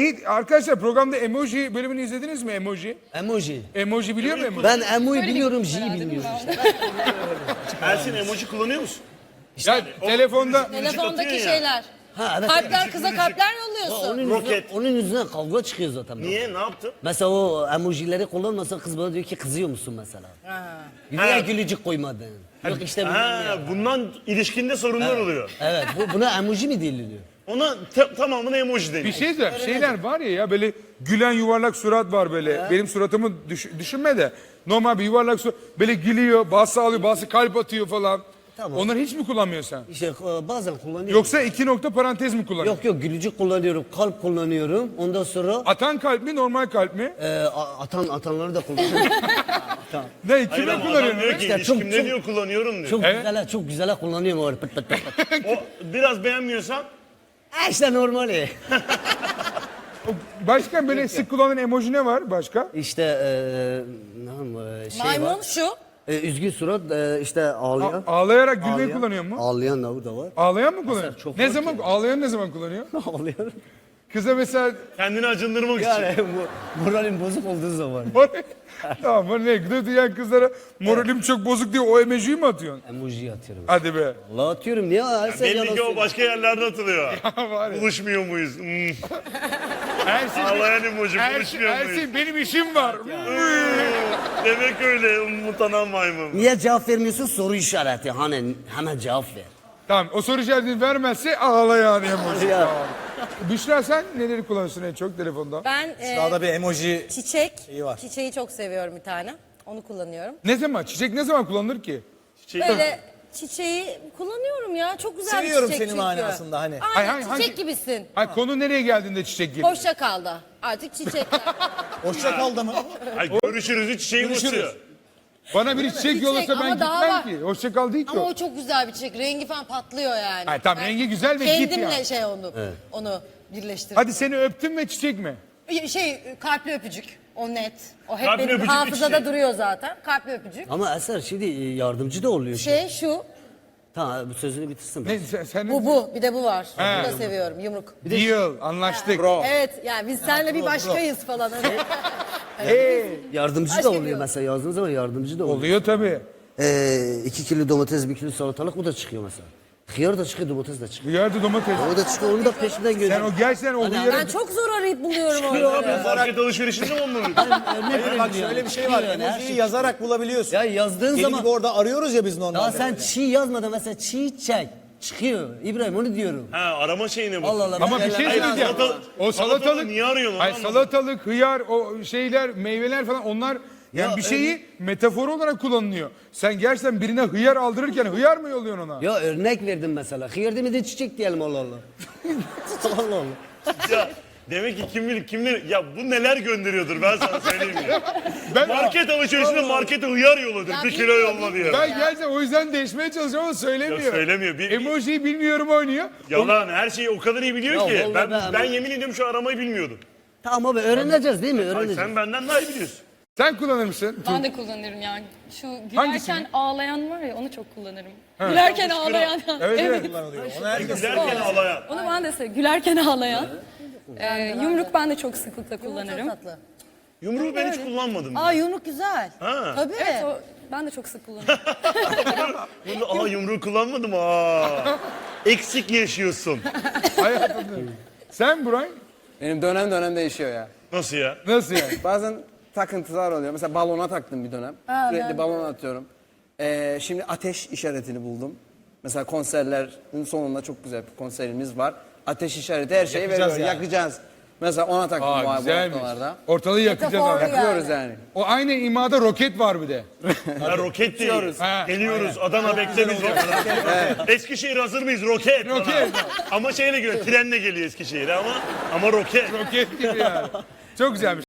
iyi. Arkadaşlar programda emoji bölümünü izlediniz mi emoji? Emoji. Emoji biliyor musun? Ben emoji biliyorum, J'yi bilmiyorum işte. Ersin emoji kullanıyor musun? Ya telefonda Telefondaki ya. şeyler. Ha evet. Kalpler kıza kalpler yolluyorsun. Onun Roket. yüzünden, onun yüzünden kavga çıkıyor zaten. Niye? Ne yaptın? Mesela o emojileri kullanmasa kız bana diyor ki kızıyor musun mesela? Niye gülücük koymadın? Yok işte Ha, bundan ilişkinde sorunlar oluyor. evet buna emoji mi deniliyor? Ona tamamına emoji deniyor. bir şey söyleyeyim. Şeyler var ya böyle gülen yuvarlak surat var böyle. Benim suratımı düşünme de. Normal bir yuvarlak surat. Böyle gülüyor, bazı ağlıyor, bazı kalp atıyor falan. Tamam. Onları hiç mi kullanmıyorsun sen? İşte bazen kullanıyorum. Yoksa 2 nokta parantez mi kullanıyorsun? Yok gülücük kullanıyorum, kalp kullanıyorum. Ondan sonra Atan kalp mi, normal kalp mi? atanları da kullanıyorum. Ne, Hayır kime ama adam kullanıyorsun? diyor ki İşte ilişkimde çok- diyor kullanıyorum diyor. Çok güzel kullanıyorum öyle pıt pıt pıt pıt. O biraz beğenmiyorsan İşte normali. Başka böyle sık kullanılan emoji ne var başka? İşte şey Maymun var. şu. Üzgün surat işte ağlayan. Ağlayarak gülmeyi kullanıyor mu? Ağlayan da var. Ağlayan mı kullanıyor? çok Ne fark zaman ağlayan ne zaman kullanıyor? Ağlayan. Kıza mesela kendini acındırmak için. Yani moralim bozuk olduğu zaman. tamam bu ne? Gıda diyen kızlara moralim çok bozuk diye o emojiyi mi atıyorsun? Emoji atıyorum. Hadi be. Allah atıyorum niye? Her sen Belli ki o yalan başka yerlerde atılıyor. Var ya. Buluşmuyor muyuz? Ersin, Ağlayan emoji buluşmuyor muyuz? Ersin benim işim var. Demek öyle mutanan maymun. Niye cevap vermiyorsun? Soru işareti. Hani hemen cevap ver. Tamam o soru işaretini vermezse ağlayan emoji. Ya. Büşra sen neleri kullanıyorsun en çok telefonda? Ben Daha bir emoji çiçek. şeyi var. Çiçeği çok seviyorum bir tane. Onu kullanıyorum. Ne zaman? Çiçek ne zaman kullanılır ki? Böyle çiçeği kullanıyorum ya. Çok güzel Seviyorum bir çiçek senin çünkü. manasında hani. Aynen Ay, çiçek hangi- gibisin. Ay konu nereye geldiğinde çiçek geliyor? Hoşça kal da. Artık çiçekler. Hoşça kal da mı? Ay, görüşürüzü çiçeği basıyor. Bana bir çiçek Çiçek yollasa ben ama daha gitmem var. ki. Hoşça kal değil ki Ama o. o çok güzel bir çiçek. Rengi falan patlıyor yani. Ay, tamam, Ben rengi güzel ve git kendimle yani. şey onu birleştirdim. Hadi seni öptüm ve çiçek mi? Kalpli öpücük. O net. O hep Kalpli benim öpücük bir hafızada çiçek. duruyor zaten. Kalpli öpücük. Ama Eser şimdi yardımcı da oluyor. Şu. Tamam bu sözünü bitirsin. Ne, sen Bu. Bir de bu var. Bunu da seviyorum. Yumruk. Deal, anlaştık. Evet yani biz seninle bir başkayız falan. Hani. Yardımcı Başka da bir oluyor yok. mesela yazdığınız zaman yardımcı da oluyor. Oluyor tabii. 2 kilo domates, 1 kilo salatalık bu da çıkıyor mesela. Hıyar da çıkıyor, domates de çıkıyor. Hıyarda domates. O da çıkıyor, onu da peşinden Sen gönderiyor. o gerçekten o hıyarı... Ben çok zor arayıp buluyorum Ne onu. yapıyorsun? Market alışverişinde mi onu? Bak şöyle bir şey var. Emojiyi yazarak bulabiliyorsun. Ya yazdığın Deli zaman... gibi orada arıyoruz ya biz Daha normalde. sen çiğ yazmadan mesela çiçek çıkıyor. İbrahim onu diyorum. Ha arama şeyine bak. Allah Allah. Ama ben bir şey yerlerden- söyleyeceğim. O salatalık... niye arıyorsun? Ay Onu salatalık, hıyar, o şeyler, meyveler falan onlar... Yani Ya bir şeyi metafor olarak kullanılıyor. Sen gerçekten birine hıyar aldırırken hıyar mı yolluyorsun ona? Ya örnek verdim mesela. Hıyar demedi çiçek diyelim Allah Allah. Allah Allah. Ya, demek ki kim bilir kimler... Ya bu neler gönderiyordur ben sana söyleyeyim ya. Ben, Market alışverişinde markete hıyar yolladır. Ya Bir kilo bilmiyor, yolla diye. bilmiyor. ben gerçekten o yüzden değişmeye çalışıyorum ama söylemiyor. Ya söylemiyor. Emojiyi bilmiyorum oynuyor. Yalan her şeyi o kadar iyi biliyor Ya ki. vallahi Ben yemin ediyorum şu aramayı bilmiyordum. Tamam abi öğreneceğiz değil mi? Ay, Öğreneceğiz. sen benden daha iyi biliyorsun. Sen kullanır mısın? Ben de kullanırım yani. Şu gülerken Hangisini? ağlayan var ya onu çok kullanırım. Gülerken ağlayan. Evet, evet. Onu herkes Gülerken ağlayan. Onu ben de seviyorum. Gülerken ağlayan. Yumruk ben de çok sıklıkla kullanırım. Çok tatlı. Yumruğu ben hiç kullanmadım. Aa yumruk güzel. Ha. Tabii. Evet o, ben de çok sık kullanırım. Aa yumruğu kullanmadım aa. Eksik yaşıyorsun. Hayatımda. Sen Buray? Benim dönem dönem değişiyor ya. Nasıl ya? Nasıl yani? Bazen takıntılar oluyor. Mesela balona taktım bir dönem. Sürekli balon atıyorum. Şimdi ateş işaretini buldum. Mesela konserlerin sonunda çok güzel bir konserimiz var. Ateş işareti her şeyi Yakacağız veriyor. yani. Yakacağız. Mesela ona taktım bu Güzelmiş. haftalarda. Ortalığı yakacağız Metafor abi. ya. Yakıyoruz yani. O aynı imada roket var bir de. Ha, roket değil. Ha, Geliyoruz. Adana beklemiz var. Eskişehir hazır mıyız? Roket. Roket. Ama şeyle geliyor. Trenle geliyor Eskişehir'e ama roket. Roket gibi yani. Çok güzelmiş.